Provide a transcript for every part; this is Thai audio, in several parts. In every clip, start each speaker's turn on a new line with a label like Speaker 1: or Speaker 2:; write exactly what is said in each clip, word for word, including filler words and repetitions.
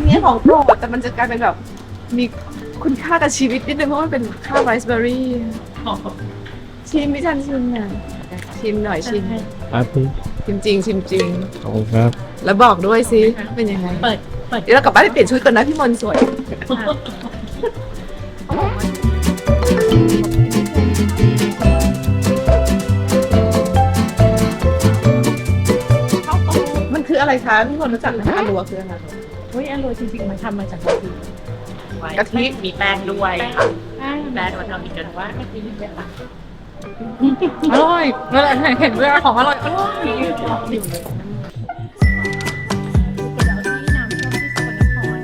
Speaker 1: นี้ของโปรดแต่มันจะกลายเป็นแบบมีคุณค่ากับชีวิตนิดนึงเพราะมันเป็นข้าวไรซ์เบอร์รี่ชิมไม่ทันชิมอ่ะชิมหน่อยชิม
Speaker 2: ครับพี่
Speaker 1: ชิมจริงชิมจริง
Speaker 2: ขอบคุณครับ
Speaker 1: แล้วบอกด้วยสิเป็นยังไง
Speaker 3: เปิดเปิด
Speaker 1: เดี๋ยวเรากลับบ้านไปเปลี่ยนชุดก่อนนะพี่มนต์สวยมันคืออะไรคะพี่มนต์รู้จักไหมคะรัวคืออะไร
Speaker 3: เฮ้ยอร่อยจริงๆมันทำมาจากกะทิ
Speaker 1: กะทิ
Speaker 4: มีแป้งด้วยค่ะ
Speaker 3: แป้ง
Speaker 4: แป้งเราทำอีกกันว่า
Speaker 3: กะทิเยอะปะ
Speaker 1: อร่อยเวลาเห็นเวลาของอร่อยอร่อย
Speaker 3: อยู่เลยน้ำส้มที่สกลนคร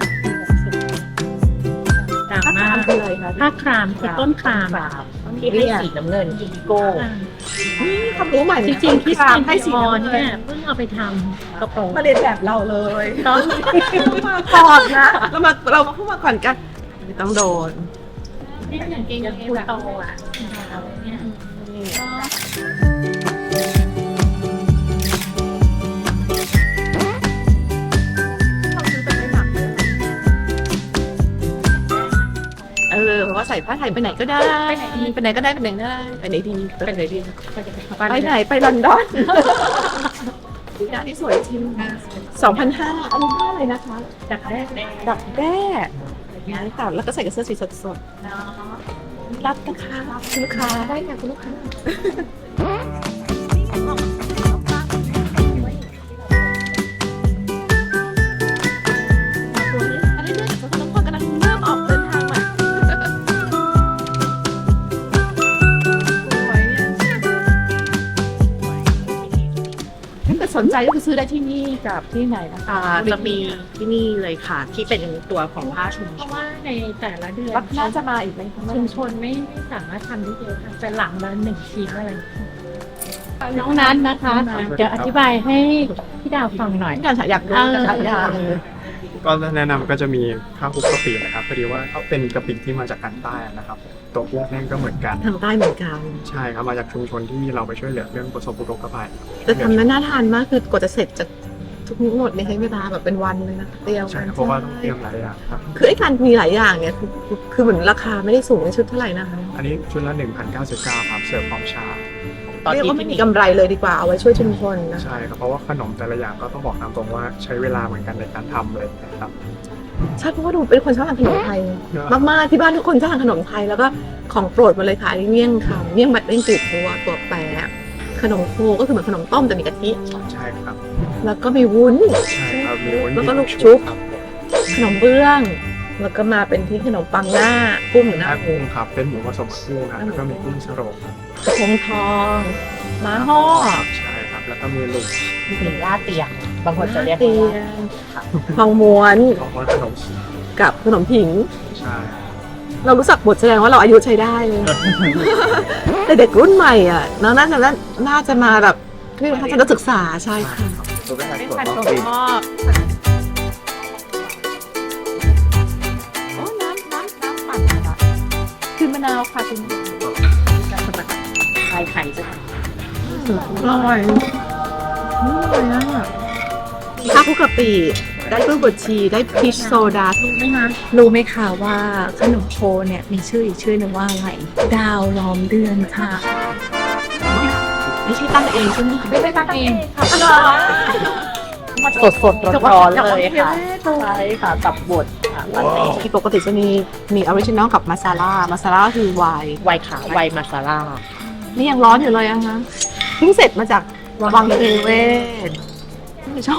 Speaker 3: ดังมาก
Speaker 1: คืออะไรคะ
Speaker 3: ผ้าครามคือต้นครามอะ
Speaker 4: ที่ให้สีน้ำเงินอินดิโก้
Speaker 1: นี่ความรู้ใหม่
Speaker 3: จริงๆคริสตัน
Speaker 1: ให้
Speaker 3: ให้
Speaker 1: สี
Speaker 3: สี
Speaker 1: น้ำ
Speaker 3: ออน
Speaker 1: เงิ
Speaker 3: เนี่ย
Speaker 1: น
Speaker 3: เพิ่งเอาไปทำกระโปรง
Speaker 1: มาเรียนแบบเราเลย
Speaker 3: ต้อง
Speaker 1: มาก่อนนะเรามาเรามาพูดมาก่อนกันไม่ต้องโดน
Speaker 3: นี่อย่างเก่งอย่างคุณโตอ่ะเนี่ย
Speaker 1: เออเพราะว่าใส่ผ้าไทยไปไหนก็ได้ไปไหนก็ได้ไปไหนก็ได้ไปไหนดีไปไหนดีไปไหนไปลอนดอนหน้าที่สวยจริงสองพันห้าอันนี้ผ้าอะไรนะคะ
Speaker 3: จากแรก
Speaker 1: ดักแด้นี่ค่ะแล้วก็ใส่กับเสื้อสีสดๆรับนะคะคุณลูกค้าได้ค่ะคุณลูกค้าอันนี้เรื่องของน้องพลกำลังเริ่มออกเดินทางมาสวยเนี่ยถ้าเกิดสนใจก็คือซื้อได้ที่นี่กับที่ไหนนะคะ
Speaker 4: อ่าจะมีที่นี่เลยค่ะ ที่เป็นตัวของผ้าชุม
Speaker 3: เพ
Speaker 4: ช
Speaker 3: ราะ
Speaker 4: น
Speaker 3: ว่าในแต่ละเดือน
Speaker 1: วัดน่าจะมาอีกไหมคะ
Speaker 3: ชุมชนไม่ไม่สามารถทำได้เยอะค่ะแต่หลังละหนึ่งทีมอะไรน้องนัทนะคะ เดี๋ยวอธิบายให้พี่ดาวฟังหน่อย
Speaker 1: การฉายอยากรู้การฉายอยาก
Speaker 2: ก็แนะนำก็จะมีข้าวคลุกกะปินะครับพอดีว่าเขาเป็นกะปิที่มาจากทางใต้นะครับตัวกุ้งแห้งก็เหมือนกัน
Speaker 1: ทางใต้เหมือนกัน
Speaker 2: ใช่ครับมาจากชุมชนที่เราไปช่วยเหลือเรื่องประสบอุทกภัย
Speaker 1: แต่ทำนั้นน่าทานมากคือกว่าจะเสร็จจากทุกหมดเนี่ยใช้เวลาแบบเป็นวันเลยนะเตรียม
Speaker 2: ใช่ครับเพราะว่าต้องเตรียมหลายอย่างครับ
Speaker 1: คือไอ้การมีหลายอย่างเนี่ยคือคือเหมือนราคาไม่ได้สูงในชุดเท่าไหร่นะคะ
Speaker 2: อันนี้ชุดละหนึ่งพันเก้าสิบเก้าครับเสิร์ฟพร้อมชา
Speaker 4: ตอน
Speaker 1: เรียก
Speaker 4: ที่
Speaker 1: ว่าไม่มีกำไรเลยดีกว่าเอาไว้ช่วยชุมชนนะ
Speaker 2: ใช่ครับเพราะว่าขนมแต่ละอย่างก็ต้องบอกตามตรงว่าใช้เวลาเหมือนกันในการทำเลยนะครับ
Speaker 1: ใช่เพราะว่าดูเป็นคนชอบทานขนมไทยมากๆที่บ้านทุกคนชอบทานขนมไทยแล้วก็ของโปรดมาเลยค่ะอันนี้เมี่ยงคำเมี่ยงบัดเมี่ยงจืดตัวตัวแปะขนมโคก็คือเหมือนขนมต้มแต่มีกะทิ
Speaker 2: ใช่ครับ
Speaker 1: แล้วก็มีวุ้น
Speaker 2: ใช่ครับมีวุ้น
Speaker 1: แล้วก็
Speaker 2: มี
Speaker 1: ลูกชุบ
Speaker 2: ครับ
Speaker 1: ขนมเบื้อง แล้วก็มาเป็นที่ขนมปังหน้ากุ้งหรือห
Speaker 2: ห
Speaker 1: น้า
Speaker 2: น้ากุ้งครับเป็นหมูผสมกับกุ้งครับแล้วก็มีกุ้งสโรงครับ
Speaker 1: กระพงทองม้าห่อ
Speaker 2: ใช่ครับแล้วก็มีลูก
Speaker 4: มีลาดเตียงบางคนจะเรียก
Speaker 1: เตี
Speaker 4: ว่าย
Speaker 1: งทองม้วน
Speaker 2: ของว่าขนมจีน
Speaker 1: กับขนมผิง
Speaker 2: ใช่
Speaker 1: เรารู้จักบทแสดงว่าเราอายุใช้ได้เลย แต่เด็กรุ่นใหม่อ่ะน้องน่าจะน่าจะมาแบบที่ทัศนศึกษาใช่ค่ะ
Speaker 2: ตัวเป็น
Speaker 1: ไม่
Speaker 2: ส่วน
Speaker 1: พัน
Speaker 2: ของ
Speaker 1: ถั่ว
Speaker 2: ปี
Speaker 1: งอกโอ้น้ำน้ำน้ำปั่นค่ะคือมะนาวค่ะคุณ
Speaker 4: ไข่ไข่จะ
Speaker 1: อร่อยอร่อยอ่ะข้าวคลุกกะปิได้กล้วยบดชีได้พีชโซดา
Speaker 3: รู้ไหมคะ
Speaker 5: รู้ไหมคะว่าขนมโคเนี่ยมีชื่ออีกชื่อหนึ่งว่าอะไร ดาวล้อมเดือนค่ะ
Speaker 1: ไม่ใช่ตั้งเองใช่ไหมคะ
Speaker 3: ไม่ได้ตั้งเองค่ะ
Speaker 4: สดสดร้อนร้อนๆเลยค่ะใช่ค่ะกับบดค่ะ
Speaker 1: ที่ปกติจะมีมีออริจินอลกับมาซาล่ามาซาล่าคือไวน์
Speaker 4: ไวน์ขาวไวน์มาซาร่า
Speaker 1: นี่ยังร้อนอยู่เลยอะคะเพิ่งเสร็จมาจากวังเทเวศไม่ชอบ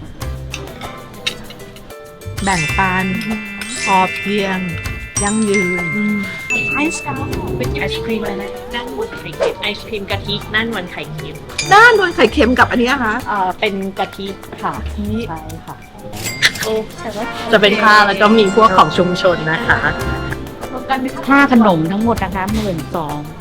Speaker 1: แบ่งปันพอเพียง ยั่งยืน
Speaker 4: ไอศครีมเป็นไอศครีมอะไรนะด้านบนไข่เค็มไอศครีมกะทิด้านบนไข่เค็ม
Speaker 1: ด้านบนไข่เค็มกับอันนี้นะคะ
Speaker 4: เอ่อเป็นกะทิค่ะ
Speaker 1: นี่
Speaker 4: ใช่ค่ะ
Speaker 3: แต่ว่า
Speaker 4: จะเป็นผ้าแล้วก็มีพวกของชุมชนนะคะ
Speaker 3: ค่าขนมทั้งหมดนะคะหมื่นสอง